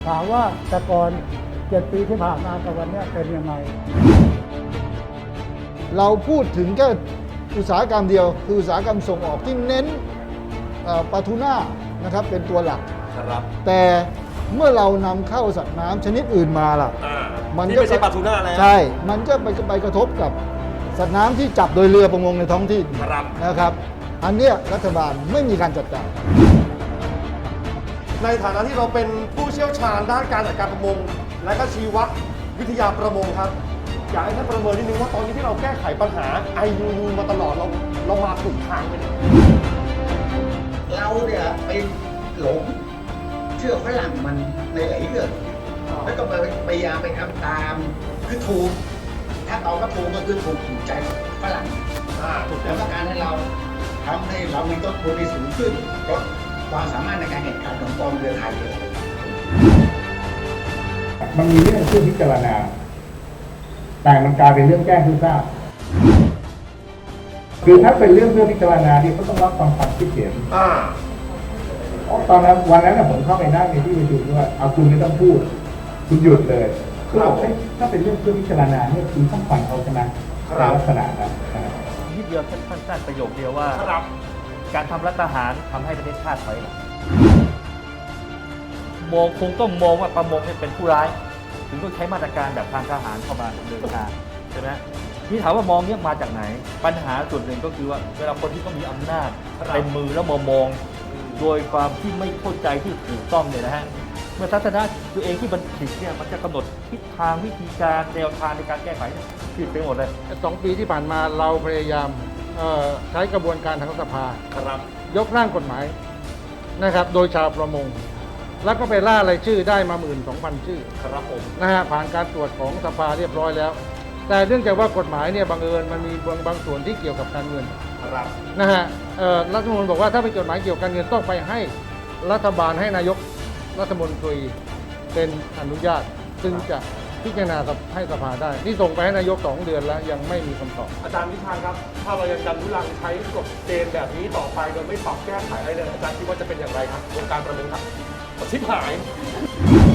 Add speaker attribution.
Speaker 1: ถามว่าแต่ก่อน7 ปีที่ผ่านมากับวันนี้เป็นยังไง
Speaker 2: เราพูดถึงแค่อุตสาหกรรมเดียวคืออุตสาหกรรมส่งออกที่เน้นปลาทูน่านะครับเป็นตัวหลัก
Speaker 3: ครับ
Speaker 2: แต่เมื่อเรานำเข้าสัตว์น้ำชนิดอื่นมาล่ะ
Speaker 3: ที่ไม่ใช่ปลาทูน่าแล้ว
Speaker 2: ใช่มันก็ไปกระทบกับสัตว์น้ำที่จับโดยเรือประมงในท้องที่นะครับอันเนี้ยรัฐบาลไม่มีการจัดการ
Speaker 3: ในฐานะที่เราเป็นผู้เชี่ยวชาญด้านการจัดการประมงและก็ชีววิทยาประมงครับอยากให้ท่านประเมินนิดนึงว่าตอนนี้ที่เราแก้ไขปัญหา IUU มาตลอดเรามาถูกทางไหมเนี่ย
Speaker 4: เราเนี่ยไปหลงเชื่อฝรั่งมันในหลายเรื่องแล้วก็พยายามไปทำตามคือถูกถ้าตอบว่าถูกก็คือถูกใจฝรั่งแล้วก็การให้เราทำให้เรามีต้นทุนที่สูงขึ้นลดความสามารถในการแข่งขันของกองเรือไทยเลย
Speaker 5: มันมีเรื่องที่พิจารณาแต่มันกลายเป็นเรื่องแก้งทุกทราบคือถ้าเป็นเรื่องเพื่อพิจารณาที่เขาต้องรับฟังความคิดเห็นเพราะตอนนั้นวันนั้นผมเข้าไปนั่งในที่ประชุมด้วยเอาคุณไม่ต้องพูดคุณหยุดเลยคือบอกถ้าเป็นเรื่องเพื่อพิจารณาเนี่ยคุณต้องฟังเขาใช่ไหมในลักษณะนั้น
Speaker 6: นิดเดียวสั้นๆประโยคเดียวว่าการทำรัฐประหารทำให้ประเทศชาติถอยหลังมองคงต้องมองว่าประมงเป็นผู้ร้ายถึงต้องใช้มาตรการแบบทางทหารเข้ามาดำเนินการใช่ไหมที่ถามว่ามองเนี่ยมาจากไหนปัญหาส่วนหนึ่งก็คือว่าเวลาคนที่เขามีอำนาจเต็มมือแล้วมองโดยความที่ไม่เข้าใจที่ถูกต้องเนี่ยนะฮะเมื่อทัศนะตัวเองที่มันผิดเนี่ยมันจะกำหนดทิศทางวิธีการแนวทางในการแก้ไขผิดไปหมดเลย
Speaker 7: 2 ปีที่ผ่านมาเราพยายามใช้กระบวนการทางสภายกร่างกฎหมายนะครับโดยชาวประมงแล้วก็ไปล่ารายชื่อได้มา 12,000 ชื่อ
Speaker 3: ครับผม
Speaker 7: นะฮะผ่านการตรวจของสภาเรียบร้อยแล้วแต่เนื่องจากว่ากฎหมายเนี่ยบังเอิญมันมีบางส่วนที่เกี่ยวกับการเงินนะฮะรัฐมนตรีบอกว่าถ้าเป็นกฎหมายเกี่ยวกับการเงินต้องไปให้รัฐบาลให้นายกรัฐมนตรีเป็นอนุญาตซึ่งจะพิจารณาให้สภาได้นี่ส่งไปให้นายก2 เดือนแล้วยังไม่มีคำตอบ
Speaker 3: อาจารย์วิชาครับถ้าเรายังดันทุลังใช้กฎเกณฑ์แบบนี้ต่อไปโดยไม่ปรับแก้ไขอะไรเลยอาจารย์คิดว่าจะเป็นอย่างไรครับวงการประมงครับชิบหาย